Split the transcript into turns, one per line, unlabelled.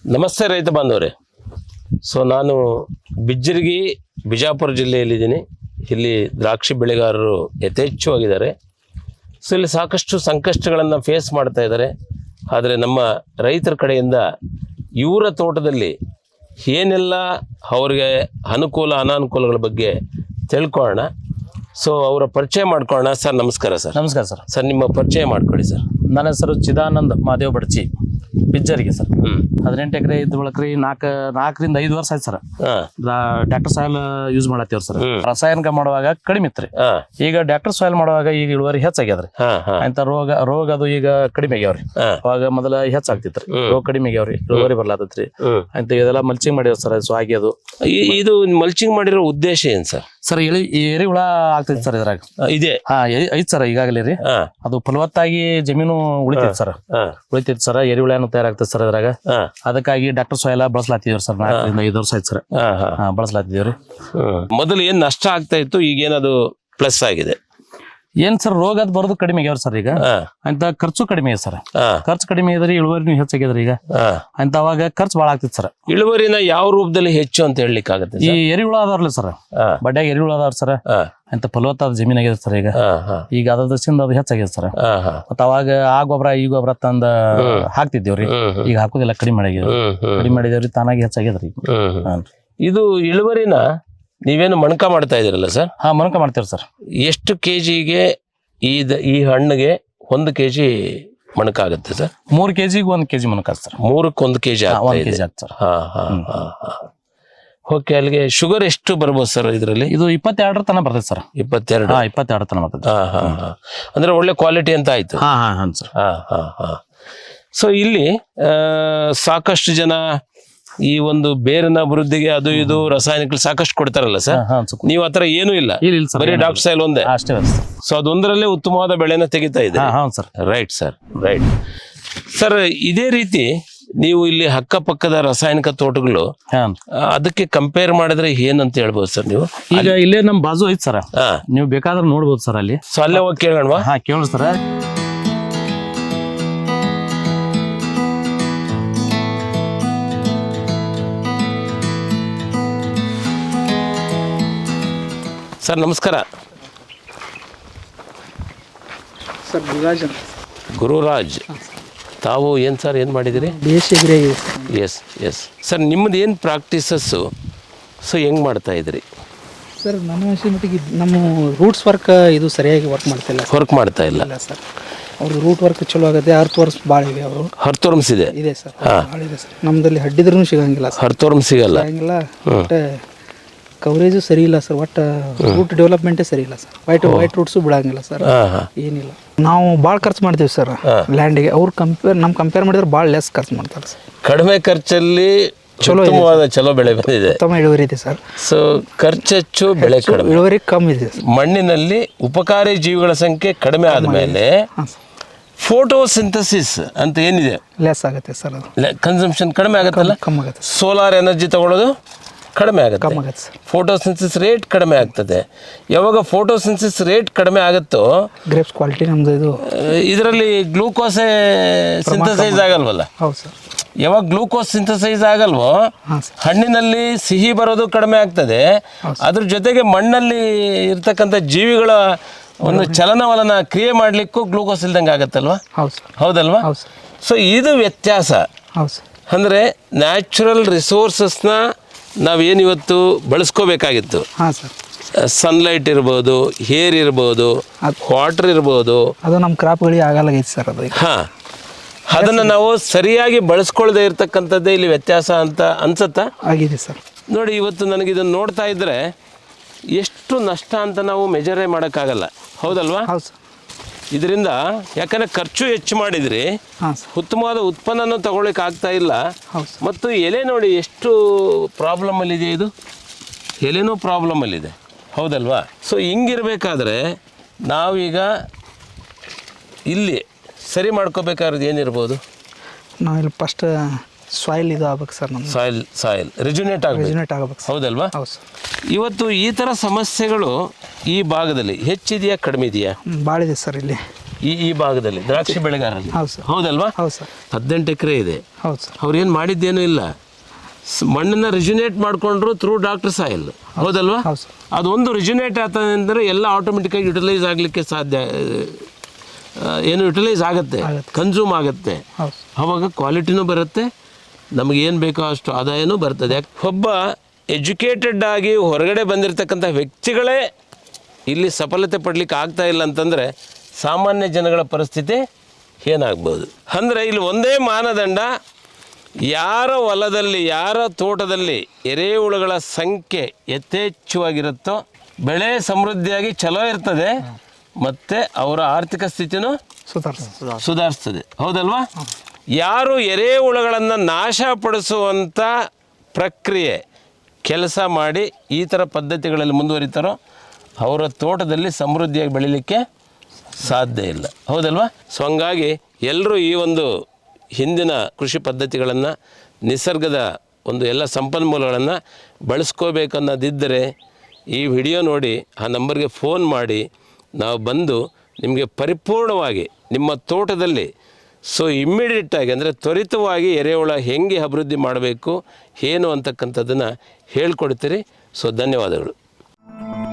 ನಮಸ್ತೆ ರೈತ ಬಾಂಧವರೇ. ಸೊ ನಾನು ಬಿಜ್ಜರ್ಗಿ ಬಿಜಾಪುರ ಜಿಲ್ಲೆಯಲ್ಲಿದ್ದೀನಿ. ಇಲ್ಲಿ ದ್ರಾಕ್ಷಿ ಬೆಳೆಗಾರರು ಯಥೇಚ್ಛವಾಗಿದ್ದಾರೆ. ಸೊ ಇಲ್ಲಿ ಸಾಕಷ್ಟು ಸಂಕಷ್ಟಗಳನ್ನು ಫೇಸ್ ಮಾಡ್ತಾ ಇದ್ದಾರೆ. ಆದರೆ ನಮ್ಮ ರೈತರ ಕಡೆಯಿಂದ ಇವರ ತೋಟದಲ್ಲಿ ಏನೆಲ್ಲ ಅವರಿಗೆ ಅನುಕೂಲ ಅನಾನುಕೂಲಗಳ ಬಗ್ಗೆ ತಿಳ್ಕೊಳ್ಳೋಣ. ಸೊ ಅವರ ಪರಿಚಯ ಮಾಡ್ಕೊಳ್ಳೋಣ. ಸರ್ ನಮಸ್ಕಾರ. ಸರ್
ನಮಸ್ಕಾರ ಸರ್.
ಸರ್ ನಿಮ್ಮ ಪರಿಚಯ ಮಾಡ್ಕೊಳ್ಳಿ ಸರ್.
ನನ್ನ ಹೆಸರು ಚಿದಾನಂದ್ ಮಹಾದೇವ್ ಬಡ್ಚಿ, ಬಿಜ್ಜರ್ಗಿ ಸರ್. 18 ಎಕರೆ ಇದ್ದ ಬಳಕ್ರಿ 4ರಿಂದ 5 ವರ್ಷ ಆಯ್ತು ಸರ್. ಡಾಕ್ಟರ್ ಸಾಯಿಲ್ ಯೂಸ್ ಮಾಡತ್ತೀವ್ರಿ ಸರ್. ರಾಸಾಯನಿಕ ಮಾಡುವಾಗ ಕಡಿಮೆ ಇತ್ರಿ. ಈಗ ಡಾಕ್ಟರ್ ಸಾಯಿಲ್ ಮಾಡುವಾಗ ಈಗ ಇಳುವರಿ ಹೆಚ್ಚಾಗ್ಯದ್ರಿ. ಅಂತ ರೋಗ ಅದು ಈಗ ಕಡಿಮೆ ಆಗ್ಯಾವ್ರಿ. ಅವಾಗ ಮೊದಲ ಹೆಚ್ಚಾಗ್ತಿತ್ರಿ, ರೋಗ ಕಡಿಮೆ ಆಗ್ಯಾವ್ರಿ, ಇಳುವರಿ ಬರ್ಲಾತತ್ರಿ. ಅಂತ ಇದೆಲ್ಲ ಮಲ್ಚಿಂಗ್ ಮಾಡಿವ್ ಸರ್. ಸ್ವಾಗಿ ಅದು
ಇದು ಮಲ್ಚಿಂಗ್ ಮಾಡಿರೋ ಉದ್ದೇಶ ಏನ್ ಸರ್?
ಸರ್ ಎರಿಹುಳ ಆಗ್ತೈತಿ ಸರ್ ಇದ್ರಾಗ.
ಇದೆ
ಐತ್ ಸರ್ ಈಗಾಗಲೇ ರೀ. ಅದು ಫಲವತ್ತಾಗಿ ಜಮೀನು ಉಳಿತೈತಿ ಸರ್. ಎರಿಹುಳ ತಯಾರಾಗ್ತದೆ ಸರ್ ಇದ್ರಾಗ. ಅದಕ್ಕಾಗಿ ಡಾಕ್ಟರ್ ಸಾಯಿಲ್ ಬಳಸ್ಲಾತಿದ್ವಿ ಸರ್. 4ರಿಂದ 5 ವರ್ಷ ಆಯ್ತು ಸರ್ ಬಳಸ್ಲಾತಿದೀವ್ರಿ.
ಮೊದಲು ಏನ್ ನಷ್ಟ ಆಗ್ತಾ ಇತ್ತು, ಈಗ ಏನದು ಪ್ಲಸ್ ಆಗಿದೆ?
ಏನ್ ಸರ್, ರೋಗ ಅದ್ ಬರೋದು ಕಡಿಮೆ ಆಗ್ಯಾವ್ರಿ ಸರ್. ಈಗ ಅಂತ ಖರ್ಚು ಕಡಿಮೆ ಇದೆ ಸರ್. ಖರ್ಚು ಕಡಿಮೆ ಇದ್ರಿ, ಇಳುವರಿ ಹೆಚ್ಚಾಗ್ಯದ್ರಿ. ಈಗ ಅಂತ ಅವಾಗ ಖರ್ಚು ಭಾಳ ಆಗ್ತಿತ್ತು ಸರ್.
ಇಳುವರಿನ ಯಾವ ರೂಪದಲ್ಲಿ ಹೆಚ್ಚು ಅಂತ ಹೇಳಲಿಕ್ಕೆ ಆಗುತ್ತೆ?
ಈ ಎರಿಹುಳ ಅದಾವ್ರಲ್ಲ ಸರ್, ಬಡ್ಯಾಗ ಎರಿಹುಳ ಅದಾವ್ರಿ ಸರ್. ಅಂತ ಫಲವತ್ತಾದ ಜಮೀನ್ ಆಗಿದೆ ಸರ್. ಈಗ ಅದ್ರ ದೃಷ್ಟಿಯಿಂದ ಅದು ಹೆಚ್ಚಾಗಿದೆ ಸರ್. ಮತ್ತ ಅವಾಗ ಆ ಗೊಬ್ಬರ ಈ ಗೊಬ್ಬರ ತಂದ ಹಾಕ್ತಿದ್ದೇವ್ರಿ. ಈಗ ಹಾಕೋದಿಲ್ಲ, ಕಡಿಮೆ ಮಾಡಿದೇವ್ರಿ. ತಾನಾಗಿ ಹೆಚ್ಚಾಗ್ಯದ್ರಿ.
ಇದು ಇಳುವರಿನ ನೀವೇನು ಮಣಕ ಮಾಡ್ತಾ ಇದೀರಲ್ಲ ಸರ್?
ಮಣಕ ಮಾಡ್ತೇವ್ರಿ ಸರ್.
ಎಷ್ಟು ಕೆಜಿಗೆ ಈ ಹಣ್ಣಿಗೆ 1 ಕೆಜಿ ಮಣಕ ಆಗುತ್ತೆ ಸರ್?
3 ಕೆಜಿಗೆ 1 ಕೆಜಿ ಮಣಕ ಸರ್.
3ಕ್ಕೆ 1 ಕೆಜಿ
1 ಕೆಜಿ ಆಗ್ತದೆ ಸರ್.
ಓಕೆ. ಅಲ್ಲಿಗೆ ಶುಗರ್ ಎಷ್ಟು ಬರ್ಬೋದು ಸರ್ ಇದರಲ್ಲಿ?
ಇದು 22 ತನ ಬರ್ತದೆ ಸರ್. 22 ತನ ಬರ್ತದೆ.
ಅಂದ್ರೆ ಒಳ್ಳೆ ಕ್ವಾಲಿಟಿ ಅಂತ ಆಯ್ತು.
ಸರ್.
ಸೊ ಇಲ್ಲಿ ಸಾಕಷ್ಟು ಜನ ಈ ಒಂದು ಬೇರಿನ ಅಭಿವೃದ್ಧಿಗೆ ಅದು ಇದು ರಾಸಾಯನಿಕ ಸಾಕಷ್ಟು ಕೊಡ್ತಾರಲ್ಲ ಸರ್, ನೀವು ಆತರ ಏನೂ ಇಲ್ಲ, ಬರೀ ಡಾಕ್ಟರ್ ಸಾಯಿಲ್ ಒಂದೇ
ಅಷ್ಟೇ.
ಸೊ ಅದೊಂದರಲ್ಲೇ ಉತ್ತಮವಾದ ಬೆಳೆನ ತೆಗಿತಾ ಇದೆ. Right sir, right sir. ಇದೇ ರೀತಿ ನೀವು ಇಲ್ಲಿ ಅಕ್ಕಪಕ್ಕದ ರಾಸಾಯನಿಕ ತೋಟಗಳು ಅದಕ್ಕೆ ಕಂಪೇರ್ ಮಾಡಿದ್ರೆ ಏನಂತ ಹೇಳ್ಬೋದು ಸರ್ ನೀವು?
ಈಗ ಇಲ್ಲೇ ನಮ್ ಬಾಜು ಐತ್ ಸರ್, ನೀವು ಬೇಕಾದ್ರೆ ನೋಡ್ಬೋದು ಸರ್ ಅಲ್ಲಿ.
ಸೊ ಅಲ್ಲೇ ಹೋಗಿ ಕೇಳೋಣವಾ?
ಕೇಳಿ ಸರ್.
ಸರ್ ನಮಸ್ಕಾರ.
ಸರ್
ಗುರುರಾಜ್, ತಾವು ಏನು ಸರ್ ಏನು ಮಾಡಿದಿರಿ? Yes yes sir. ನಿಮ್ಮದು ಏನು ಪ್ರಾಕ್ಟೀಸಸ್ಸು? ಸೊ ಹೆಂಗೆ ಮಾಡ್ತಾ ಇದ್ರಿ
ಸರ್? ನನ್ನ ಮಟ್ಟಿಗೆ ನಮ್ಮ ರೂಟ್ಸ್ ವರ್ಕ್ ಇದು ಸರಿಯಾಗಿ ವರ್ಕ್ ಮಾಡ್ತಾ ಇಲ್ಲ ಸರ್. ಅವ್ರದ್ದು ರೂಟ್ ವರ್ಕ್ ಚಲೋ ಆಗುತ್ತೆ. ಅರ್ಥವರ್ಮ್ಸ್ ಭಾಳ ಇವೆ. ಅವರು ಅರ್ಥವರ್ಮ್ಸ್ ಇದೆ ಸರ್, ಭಾಳ ಇದೆ ಸರ್. ನಮ್ಮದಲ್ಲಿ ಹಡ್ಡಿದ್ರೂ ಸಿಗಂಗಿಲ್ಲ ಸರ್.
ಅರ್ಥವರ್ಮ್ಸ್ ಸಿಗಲ್ಲ.
ಕವರೇಜು ಸರಿ ಇಲ್ಲ ಸರ್. ಒಟ್ಟು ರೂಟ್ ಡೆವಲಪ್ಮೆಂಟೇ ಸರಿ ಇಲ್ಲ ಸರ್. ವೈಟ್ ರೂಟ್ಸು ಬಿಡಂಗಿಲ್ಲ ಸರ್. ಏನಿಲ್ಲ, ನಾವು ಭಾಳ ಖರ್ಚು ಮಾಡ್ತೀವಿ ಸರ್ ಲ್ಯಾಂಡಿಗೆ. ಅವ್ರು ಕಂಪೇರ್ ಮಾಡಿದ್ರೆ ಭಾಳ ಲೆಸ್ ಖರ್ಚು ಮಾಡ್ತಾರೆ ಸರ್.
ಕಡಿಮೆ ಖರ್ಚಲ್ಲಿ ಚಲೋ ಬೆಳೆ ಬಂದಿದೆ,
ಉತ್ತಮ ಇಳುವರಿ ಇದೆ ಸರ್.
ಸೊ ಖರ್ಚು ಹೆಚ್ಚು, ಬೆಳೆ ಕಡಿಮೆ,
ಇಳುವರಿ ಕಮ್ಮಿ ಇದೆ.
ಮಣ್ಣಿನಲ್ಲಿ ಉಪಕಾರಿ ಜೀವಿಗಳ ಸಂಖ್ಯೆ ಕಡಿಮೆ ಆದಮೇಲೆ ಫೋಟೋಸಿಂಥಸಿಸ್ ಅಂತ ಏನಿದೆ
ಲೆಸ್ ಆಗುತ್ತೆ ಸರ್. ಅದು
ಕನ್ಸಂಪ್ಷನ್ ಕಡಿಮೆ ಆಗುತ್ತಲ್ಲ,
ಕಮ್ಮಿ ಆಗುತ್ತೆ.
ಸೋಲಾರ್ ಎನರ್ಜಿ ತಗೊಳ್ಳೋದು ಕಡಿಮೆ ಆಗುತ್ತೆ. ಫೋಟೋಸಿಂಥಸಿಸ್ ರೇಟ್ ಕಡಿಮೆ ಆಗ್ತದೆ. ಯಾವಾಗ ಫೋಟೋಸಿಂಥಸಿಸ್ ರೇಟ್ ಕಡಿಮೆ ಆಗುತ್ತೋ
ಗ್ರೇಪ್ಸ್ ಕ್ವಾಲಿಟಿ ನಮ್ದು ಇದು
ಇದರಲ್ಲಿ ಗ್ಲೂಕೋಸೇ ಸಿಂಥಸೈಸ್ ಆಗಲ್ವಲ್ಲ.
ಹೌದು ಸರ್.
ಯಾವಾಗ ಗ್ಲೂಕೋಸ್ ಸಿಂಥಸೈಸ್ ಆಗಲ್ವೋ ಹಣ್ಣಿನಲ್ಲಿ ಸಿಹಿ ಬರೋದು ಕಡಿಮೆ ಆಗ್ತದೆ. ಅದ್ರ ಜೊತೆಗೆ ಮಣ್ಣಲ್ಲಿ ಇರ್ತಕ್ಕಂಥ ಜೀವಿಗಳ ಒಂದು ಚಲನವಲನ ಕ್ರಿಯೆ ಮಾಡಲಿಕ್ಕೂ ಗ್ಲೂಕೋಸ್ ಇಲ್ದಂಗೆ ಆಗತ್ತಲ್ವಾ? ಹೌದಲ್ವಾ? ಸೊ ಇದು ವ್ಯತ್ಯಾಸ. ಅಂದರೆ ನ್ಯಾಚುರಲ್ ರಿಸೋರ್ಸಸ್ನ ನಾವೇನಿವತ್ತು ಬಳಸ್ಕೋಬೇಕಾಗಿತ್ತು. ಸನ್ಲೈಟ್ ಇರ್ಬೋದು, ಏರ್ ಇರ್ಬೋದು, ವಾಟರ್ ಇರ್ಬೋದು,
ಅದು ನಮ್ಮ ಕ್ರಾಪ್ಗಳಿಗೆ ಆಗಲ್ಲ ಸರ್. ಅದು
ಅದನ್ನು ನಾವು ಸರಿಯಾಗಿ ಬಳಸ್ಕೊಳ್ದೇ ಇರ್ತಕ್ಕಂಥದ್ದೇ ಇಲ್ಲಿ ವ್ಯತ್ಯಾಸ ಅಂತ ಅನ್ಸುತ್ತಾ?
ಆಗಿದೆ ಸರ್.
ನೋಡಿ, ಇವತ್ತು ನನಗಿದನ್ನು ನೋಡ್ತಾ ಇದ್ದರೆ ಎಷ್ಟು ನಷ್ಟ ಅಂತ ನಾವು ಮೆಜರೇ ಮಾಡೋಕ್ಕಾಗಲ್ಲ, ಹೌದಲ್ವಾ? ಇದರಿಂದ ಯಾಕಂದರೆ ಖರ್ಚು ಹೆಚ್ಚು ಮಾಡಿದ್ರಿ, ಉತ್ತಮವಾದ ಉತ್ಪನ್ನನೂ ತಗೊಳ್ಳಿಕ್ಕೆ ಆಗ್ತಾ ಇಲ್ಲ. ಮತ್ತು ಎಲೆ ನೋಡಿ ಎಷ್ಟು ಪ್ರಾಬ್ಲಮಲ್ಲಿದೆ. ಇದು ಎಲೆನೂ ಪ್ರಾಬ್ಲಮಲ್ಲಿದೆ, ಹೌದಲ್ವಾ? ಸೊ ಹಿಂಗಿರಬೇಕಾದ್ರೆ ನಾವೀಗ ಇಲ್ಲಿ ಸರಿ ಮಾಡ್ಕೋಬೇಕಾದ್ರೆ ಏನಿರ್ಬೋದು?
ನಾವಿಲ್ಲಿ ಫಸ್ಟ್ ಸಾಯಿಲ್ ಇದು ಆಗ್ಬೇಕು ಸರ್. ನಮ್ಮ
ಸಾಯಿಲ್ ರಿಜುನೇಟ್ ಆಗಬೇಕು, ಹೌದಲ್ವಾ? ಇವತ್ತು ಈ ಥರ ಸಮಸ್ಯೆಗಳು ಈ ಭಾಗದಲ್ಲಿ ಹೆಚ್ಚಿದೆಯಾ ಕಡಿಮೆ ಇದೆಯಾ?
ಭಾಳ ಇದೆ ಸರ್. ಇಲ್ಲಿ
ಈ ಭಾಗದಲ್ಲಿ ದ್ರಾಕ್ಷಿ ಬೆಳೆಗಾರರಲ್ಲಿ.
ಹೌದು ಸರ್.
ಹೌದಲ್ವಾ?
ಹೌದು ಸರ್.
18 ಎಕರೆ ಇದೆ.
ಹೌದು ಸರ್.
ಅವ್ರೇನು ಮಾಡಿದ್ದೇನೂ ಇಲ್ಲ, ಮಣ್ಣನ್ನು ರಿಜ್ಯುನೇಟ್ ಮಾಡಿಕೊಂಡ್ರು ಥ್ರೂ ಡಾಕ್ಟರ್ ಸಾಯಿಲ್. ಹೌದಲ್ವಾ?
ಹೌದು ಸರ್.
ಅದೊಂದು ರಿಜ್ಯುನೇಟ್ ಆತಂದರೆ ಎಲ್ಲ ಆಟೋಮೆಟಿಕ್ಕಾಗಿ ಯುಟಿಲೈಸ್ ಆಗಲಿಕ್ಕೆ ಸಾಧ್ಯ, ಏನು ಯುಟಿಲೈಸ್ ಆಗುತ್ತೆ, ಕನ್ಸ್ಯೂಮ್ ಆಗುತ್ತೆ. ಆವಾಗ ಕ್ವಾಲಿಟಿನೂ ಬರುತ್ತೆ, ನಮಗೇನು ಬೇಕೋ ಅಷ್ಟು ಆದಾಯನೂ ಬರ್ತದೆ. ಒಬ್ಬ ಎಜುಕೇಟೆಡ್ ಆಗಿ ಹೊರಗಡೆ ಬಂದಿರತಕ್ಕಂಥ ವ್ಯಕ್ತಿಗಳೇ ಇಲ್ಲಿ ಸಫಲತೆ ಪಡಲಿಕ್ಕೆ ಆಗ್ತಾ ಇಲ್ಲ ಅಂತಂದರೆ ಸಾಮಾನ್ಯ ಜನಗಳ ಪರಿಸ್ಥಿತಿ ಏನಾಗ್ಬೋದು? ಅಂದರೆ ಇಲ್ಲಿ ಒಂದೇ ಮಾನದಂಡ, ಯಾರ ಹೊಲದಲ್ಲಿ ಯಾರ ತೋಟದಲ್ಲಿ ಎರೆಹುಳುಗಳ ಸಂಖ್ಯೆ ಯಥೇಚ್ಛವಾಗಿರುತ್ತೋ ಬೆಳೆ ಸಮೃದ್ಧಿಯಾಗಿ ಚಲೋ ಇರ್ತದೆ, ಮತ್ತು ಅವರ ಆರ್ಥಿಕ ಸ್ಥಿತಿನೂ ಸುಧಾರಿಸ್ತದೆ. ಹೌದಲ್ವಾ? ಯಾರು ಎರೆಹುಳುಗಳನ್ನು ನಾಶಪಡಿಸುವಂಥ ಪ್ರಕ್ರಿಯೆ ಕೆಲಸ ಮಾಡಿ ಈ ಥರ ಪದ್ಧತಿಗಳಲ್ಲಿ ಮುಂದುವರಿತಾರೋ ಅವರ ತೋಟದಲ್ಲಿ ಸಮೃದ್ಧಿಯಾಗಿ ಬೆಳೀಲಿಕ್ಕೆ ಸಾಧ್ಯ ಇಲ್ಲ. ಹೌದಲ್ವಾ? ಸೊ ಹಂಗಾಗಿ ಎಲ್ಲರೂ ಈ ಒಂದು ಹಿಂದಿನ ಕೃಷಿ ಪದ್ಧತಿಗಳನ್ನು, ನಿಸರ್ಗದ ಒಂದು ಎಲ್ಲ ಸಂಪನ್ಮೂಲಗಳನ್ನು ಬಳಸ್ಕೋಬೇಕನ್ನೋದಿದ್ದರೆ ಈ ವಿಡಿಯೋ ನೋಡಿ ಆ ನಂಬರ್ಗೆ ಫೋನ್ ಮಾಡಿ ನಾವು ಬಂದು ನಿಮಗೆ ಪರಿಪೂರ್ಣವಾಗಿ ನಿಮ್ಮ ತೋಟದಲ್ಲಿ ಇಮ್ಮಿಡಿಯೇಟಾಗಿ ಅಂದರೆ ತ್ವರಿತವಾಗಿ ಎರೆಹುಳ ಹೆಂಗೆ ಅಭಿವೃದ್ಧಿ ಮಾಡಬೇಕು ಏನು ಅಂತಕ್ಕಂಥದ್ದನ್ನು ಹೇಳ್ಕೊಡ್ತೀರಿ. ಧನ್ಯವಾದಗಳು.